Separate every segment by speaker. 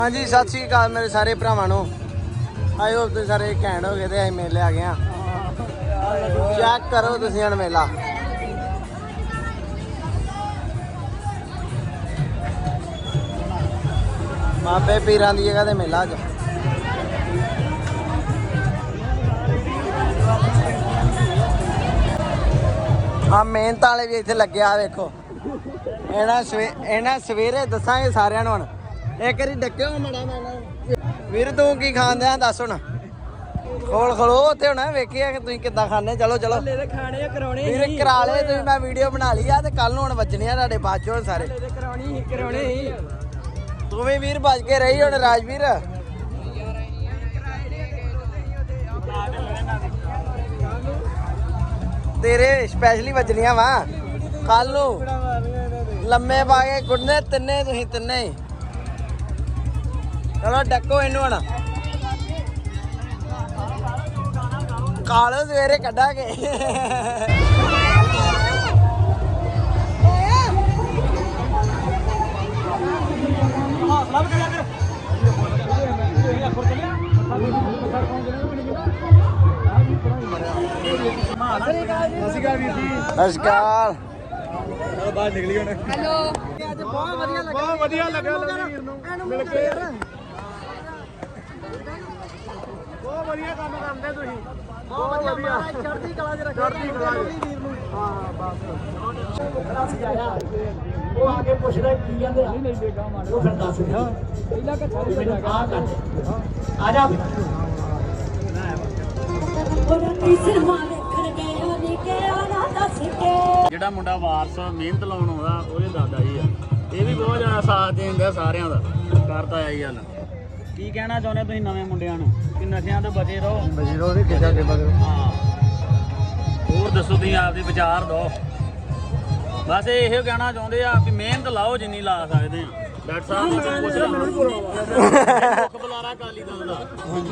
Speaker 1: हाँ जी सत श्री अकाल मेरे सारे भरावां नूं। आई होप तुसीं सारे घैंट हो गए ते असीं मेले आ गए हां। चैक करो तुसीं हुण मेला। बाबे पीरां दी जगह ते मेला अज। हाँ मेहनत वाले भी इत्थे लगे आ वेखो। इन्हां सवेरे दसांगे सारिआं नूं हुण। एक बारी डक्किओ मड़ा वीर तू की खांदे आ दस हुण। खोल खलो उत्थे हुण वेखिए कि तुसीं किद्दां खाने। चलो चलो
Speaker 2: खाने कराने
Speaker 1: वीर करा ले तुसीं। मैं वीडियो बना ली आ ते कल नूं हुण वजने आ तुहाडे बाद चों सारे।
Speaker 2: कराने
Speaker 1: तू भी वीर बच के रही हुण राजवीर। तेरे स्पैशली वजनियां वा कल नूं लम्मे पा के गुडने तिन्ने तुसीं तिन्ने ही। चलो डक्को इनू हुण कालो सवेरे कड्डांगे। नमस्कार बाहर निकली हुण। हेलो अज बहुत वधिया लगा वीर नूं मिल के। बहुत वधिया काम करदे तुसीं। बहुत वधिया चढ़दी कला च रखो वीर नूं। हां बस वो आके पुछदा की कहंदे वो फिर दस दे पहिला कच्चा नहीं आ जा
Speaker 3: ਜਿਹੜਾ ਮੁੰਡਾ ਵਾਰਸ ਮਿਹਨਤ ਲਾਉਣ ਆਉਂਦਾ ਉਹਦੇ ਦਾਦਾ ਜੀ ਆ। ਇਹ ਵੀ ਬਹੁਤ ਜ਼ਿਆਦਾ ਸਾਥ ਦਿੰਦਾ ਸਾਰਿਆਂ ਦਾ ਕਰਦਾ ਆ ਜੀ। ਹਲ ਕੀ ਕਹਿਣਾ ਚਾਹੁੰਦੇ ਤੁਸੀਂ ਨਵੇਂ ਮੁੰਡਿਆਂ ਨੂੰ ਕਿ ਨਸ਼ਿਆਂ ਤੋਂ ਬਚੇ ਰਹੋ
Speaker 1: ਤੇ ਕਿੱਦਾਂ ਕੇ ਬਗਰੋ।
Speaker 3: ਹਾਂ ਹੋਰ ਦੱਸੋ ਤੁਸੀਂ ਆਪਦੇ ਵਿਚਾਰ ਦਿਓ। ਬਸ ਇਹੋ ਕਹਿਣਾ ਚਾਹੁੰਦੇ ਆ ਵੀ ਮਿਹਨਤ ਲਾਓ ਜਿੰਨੀ ਲਾ ਸਕਦੇ ਆ। ਡਾਕਟਰ ਸਾਹਿਬ ਨੂੰ ਪੁੱਛ ਲਓ ਮੁੱਖ ਬੁਲਾਰਾ ਅਕਾਲੀ ਦਲ ਦਾ।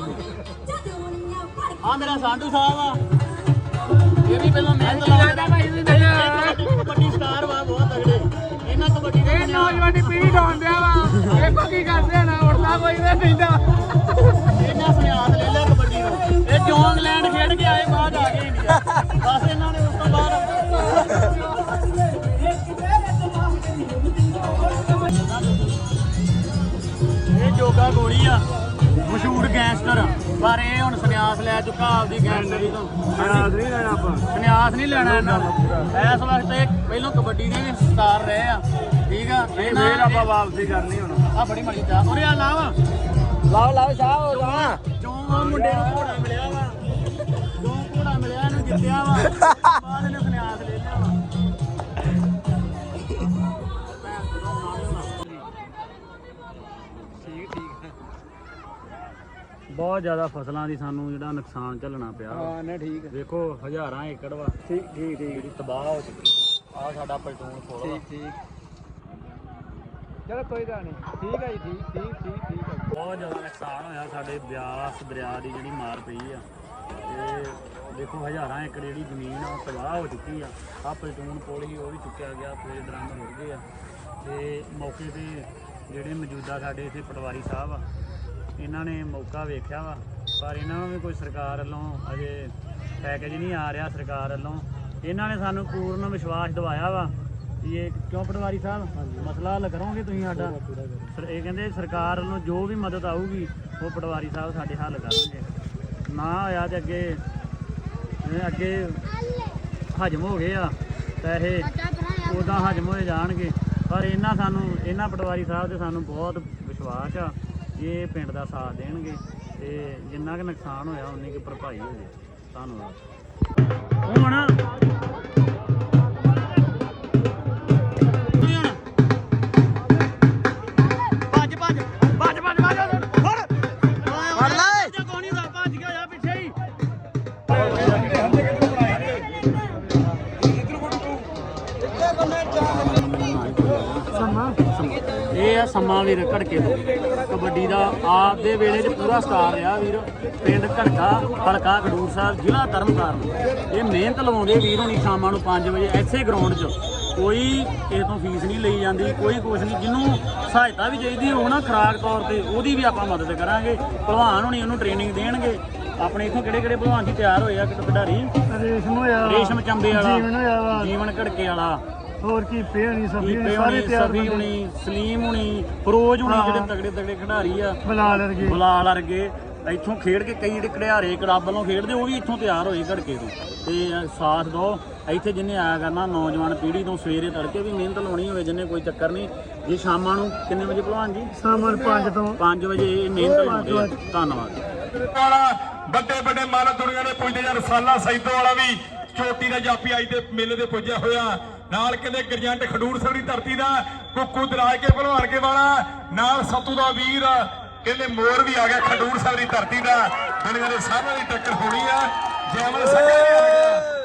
Speaker 3: ਆ ਮੇਰਾ ਸਾਂਢੂ ਸਾਹਿਬ ਆ। ਇਹ ਵੀ ਪਹਿਲਾਂ ਮਿਹਨਤ ਲਾਉਂਦਾ ਕਬੱਡੀ ਸਟਾਰ ਵਾ ਬਹੁਤ ਤਗੜੇ। ਇਹਨਾਂ ਕਬੱਡੀ ਦੇ
Speaker 2: ਨੌਜਵਾਨੀ ਪੀੜ੍ਹੀ ਡਾਉਂਦਿਆ ਵਾ। ਇਹ ਕੀ ਕਰਦੇ ਨਾ ਉੱਠਦਾ ਕੋਈ ਨਾ ਕਹਿੰਦਾ।
Speaker 3: ਇਹਨਾਂ ਸੰਨਿਆਸ ਲੈ ਲਿਆ ਕਬੱਡੀ ਨੂੰ। ਇਹ ਜੌਂਗਲੈਂਡ ਖੇਡ ਕੇ ਆਏ ਬਾਅਦ ਆ ਗਏ ਇੰਡੀਆ। ਬਸ ਇਹਨਾਂ ਨੇ ਉਸ ਤੋਂ ਬਾਅਦ ਇਹ ਜੋਗਾ ਗੋਲੀ ਆ ਮਸ਼ਹੂਰ ਗੈਂਗਸਟਰ। ਪਰ ਇਹ ਹੁਣ ਸੰਨਿਆਸ ਲੈ ਚੁੱਕਾ ਆਪਦੀ ਗੈਂਗਸਟਰੀ ਤੋਂ। ਸੰਨਿਆਸ ਨਹੀਂ ਲੈਣਾ ਆਪਾਂ। ਸੰਨਿਆਸ ਨਹੀਂ ਲੈਣਾ ਇਹਨਾਂ ਦਾ। ਇਸ ਵਕਤ ਇਹ ਪਹਿਲਾਂ ਕਬੱਡੀ ਦੇ ਵੀ ਸਟਾਰ ਰਹੇ ਆ। ਠੀਕ ਆ ਫੇਰ ਆਪਾਂ ਵਾਪਸੀ ਕਰਨੀ ਹੁਣ। ਆ ਬੜੀ ਮੜੀ ਚਾਹ ਉਰੇ ਆ ਲਾਓ
Speaker 1: ਲਾਓ ਸ਼ਾਹ ਹੋ ਜਾ।
Speaker 3: ਜੋ ਮੁੰਡੇ ਨੂੰ ਘੋੜਾ ਮਿਲਿਆ ਵਾ। ਜੋ ਘੋੜਾ ਮਿਲਿਆ ਇਹਨੂੰ ਜਿੱਤਿਆ ਵਾ। ਬਾਅਦ ਇਹਨੇ ਸੰਨਿਆਸ ਲੈ ਲਿਆ ਵਾ। ਬਹੁਤ ਜ਼ਿਆਦਾ ਫਸਲਾਂ ਦੀ ਸਾਨੂੰ ਜਿਹੜਾ ਨੁਕਸਾਨ ਝੱਲਣਾ ਪਿਆ।
Speaker 1: ਹਾਂ ਨਾ ਠੀਕ
Speaker 3: ਦੇਖੋ ਹਜ਼ਾਰਾਂ ਏਕੜ ਵਾ।
Speaker 1: ਠੀਕ ਠੀਕ
Speaker 3: ਜਿਹੜੀ ਤਬਾਹ ਹੋ ਚੁੱਕੀ। ਆ ਸਾਡਾ ਪਲਟੂਨ ਫੋਲ ਵਾ।
Speaker 1: ਠੀਕ ਚਲੋ ਕੋਈ ਗੱਲ ਨਹੀਂ। ਠੀਕ ਹੈ ਜੀ ਠੀਕ ਹੈ।
Speaker 3: ਬਹੁਤ ਜ਼ਿਆਦਾ ਨੁਕਸਾਨ ਹੋਇਆ। ਸਾਡੇ ਬਿਆਸ ਦਰਿਆ ਦੀ ਜਿਹੜੀ ਮਾਰ ਪਈ ਆ। ਤੇ ਦੇਖੋ ਹਜ਼ਾਰਾਂ ਏਕੜ ਜਿਹੜੀ ਜ਼ਮੀਨ ਆ ਤਬਾਹ ਹੋ ਚੁੱਕੀ ਆ। ਆ ਪਲਟੂਨ ਪੁਲ ਹੀ ਉਹ ਵੀ ਚੁੱਕਿਆ ਗਿਆ। ਪੂਰੇ ਦਰੰਗ ਰੁੜ ਗਏ ਆ। ਤੇ ਮੌਕੇ ਤੇ ਜਿਹੜੇ ਮੌਜੂਦਾ ਸਾਡੇ ਇੱਥੇ ਪਟਵਾਰੀ ਸਾਹਿਬ ਆ ਇਹਨਾਂ ਨੇ ਮੌਕਾ ਵੇਖਿਆ ਵਾ। ਪਰ ਇਹਨਾਂ ਨੂੰ ਵੀ ਕੋਈ ਸਰਕਾਰ ਵੱਲੋਂ ਅਜੇ ਪੈਕੇਜ ਨਹੀਂ ਆ ਰਿਹਾ। ਸਰਕਾਰ ਵੱਲੋਂ ਇਹਨਾਂ ਨੇ ਸਾਨੂੰ ਪੂਰਨ ਵਿਸ਼ਵਾਸ ਦਿਵਾਇਆ ਵਾ ਵੀ ਇਹ ਕਿਉਂ ਪਟਵਾਰੀ ਸਾਹਿਬ ਮਸਲਾ ਹੱਲ ਕਰੋਗੇ ਤੁਸੀਂ ਸਾਡਾ। ਇਹ ਕਹਿੰਦੇ ਸਰਕਾਰ ਵੱਲੋਂ ਜੋ ਵੀ ਮਦਦ ਆਊਗੀ ਉਹ ਪਟਵਾਰੀ ਸਾਹਿਬ ਸਾਡੇ ਹੱਲ ਕਰਨਗੇ। ਨਾ ਹੋਇਆ ਤੇ ਅੱਗੇ ਹਜਮ ਹੋ ਗਏ ਆ ਪੈਸੇ ਉੱਦਾਂ ਹਜਮ ਹੋਏ ਜਾਣਗੇ। ਪਰ ਇਹਨਾਂ ਪਟਵਾਰੀ ਸਾਹਿਬ 'ਤੇ ਸਾਨੂੰ ਬਹੁਤ ਵਿਸ਼ਵਾਸ ਆ। ਇਹ ਪਿੰਡ ਦਾ ਸਾਥ ਦੇਣਗੇ ਤੇ ਜਿੰਨਾ ਕੁ ਨੁਕਸਾਨ ਹੋਇਆ ਉਨੀ ਕੁ ਭਰਪਾਈ ਹੋ ਜੇ। ਧੰਨਵਾਦ। ਹੁਣ ਇਹ ਆ ਸਮਾਂ ਵੀਰ ਘੜਕੇ ਤੋਂ ਕਬੱਡੀ ਦਾ ਆਪ ਦੇ ਵੇਲੇ 'ਚ ਪੂਰਾ ਸਟਾਰ ਰਿਹਾ ਵੀਰ। ਪਿੰਡ ਘੜਕਾ ਹਲਕਾ ਖਡੂਰ ਸਾਹਿਬ ਜ਼ਿਲ੍ਹਾ ਤਰਨਤਾਰਨ। ਇਹ ਮਿਹਨਤ ਲਵਾਉਂਦੇ ਵੀਰ ਹੁਣੀ ਸ਼ਾਮਾਂ ਨੂੰ 5 ਵਜੇ ਐਸੇ ਗਰਾਊਂਡ 'ਚ ਕੋਈ ਕਿਸੇ ਤੋਂ ਫੀਸ ਨਹੀਂ ਲਈ ਜਾਂਦੀ, ਕੋਈ ਕੁਛ ਨਹੀਂ। ਜਿਹਨੂੰ ਸਹਾਇਤਾ ਵੀ ਚਾਹੀਦੀ ਹੋਊ ਨਾ ਖੁਰਾਕ ਤੌਰ ਤੇ, ਉਹਦੀ ਵੀ ਆਪਾਂ ਮਦਦ ਕਰਾਂਗੇ। ਭਲਵਾਨ ਹੋਣੀ ਉਹਨੂੰ ਟ੍ਰੇਨਿੰਗ ਦੇਣਗੇ। ਆਪਣੇ ਇੱਥੋਂ ਕਿਹੜੇ ਭਲਵਾਨ ਜੀ ਤਿਆਰ ਹੋਏ ਆ ਖਿਡਾਰੀ? ਰੇਸ਼ਮ ਚੰਬੇ ਵਾਲਾ, ਜੀਵਨ ਘੜਕੇ ਵਾਲਾ,
Speaker 2: ਹੋਰ ਕੀ ਪੇ ਹੋਣੀ
Speaker 3: ਸਫੀ ਹੁਣੀ, ਸਲੀਮ ਹੁਣੀ, ਫਰੋਜ਼ ਹੁਣੀ, ਜਿਹੜੇ ਤਗੜੇ ਖਿਡਾਰੀ ਆ, ਬਲਾਲ ਵਰਗੇ ਇੱਥੋਂ ਖੇਡ ਕੇ ਕਈ ਜਿਹੜੇ ਖਿਡਾਰੇ ਕਲੱਬ ਵੱਲੋਂ ਖੇਡਦੇ ਉਹ ਵੀ ਇੱਥੋਂ ਤਿਆਰ ਹੋਏ ਘੜਕੇ ਤੋਂ। ਤੇ ਸਾਥ ਦਿਓ ਇੱਥੇ ਜਿੰਨੇ ਆਇਆ ਕਰਨਾ, ਨੌਜਵਾਨ ਪੀੜ੍ਹੀ ਤੋਂ ਸਵੇਰੇ ਤੜਕੇ ਵੀ ਮਿਹਨਤ ਲਾਉਣੀ ਹੋਵੇ ਜਿੰਨੇ, ਕੋਈ ਚੱਕਰ ਨਹੀਂ। ਜੇ ਸ਼ਾਮਾਂ ਨੂੰ ਕਿੰਨੇ ਵਜੇ ਭਲਵਾਨ ਜੀ?
Speaker 2: ਸ਼ਾਮਾਂ 5
Speaker 3: ਵਜੇ ਮਿਹਨਤ ਲਾਉਂਦੇ ਆ। ਧੰਨਵਾਦ।
Speaker 4: ਵੱਡੇ ਮਾਲਕ ਦੁਨੀਆ ਦੇ ਪੁੱਜਦੇ ਜਾਂ ਰਸਾਲਾ ਸੈਦੋ ਵਾਲਾ ਵੀ ਚੋਟੀ ਦਾ ਜਾਪੀ ਅੱਜ ਦੇ ਮੇਲੇ ਦੇ ਪੁੱਜਿਆ ਹੋਇਆ। ਨਾਲ ਕਹਿੰਦੇ ਗਰਜੰਟ ਖਡੂਰ ਸਾਹਿਬ ਦੀ ਧਰਤੀ ਦਾ ਕੁੱਕੂ ਦਰਾਜ ਕੇ ਭਲਵਾਨ ਕੇ ਵਾਲਾ, ਨਾਲ ਸਤੂ ਦਾ ਵੀਰ ਕਹਿੰਦੇ ਮੋਰ ਵੀ ਆ ਗਿਆ ਖਡੂਰ ਸਾਹਿਬ ਦੀ ਧਰਤੀ ਦਾ। ਦੁਨੀਆ ਦੇ ਸਾਹਮਣੇ ਦੀ ਟੱਕਰ ਹੋਣੀ ਆ। ਜੈਮਲ ਸਿੰਘ ਆ ਗਿਆ।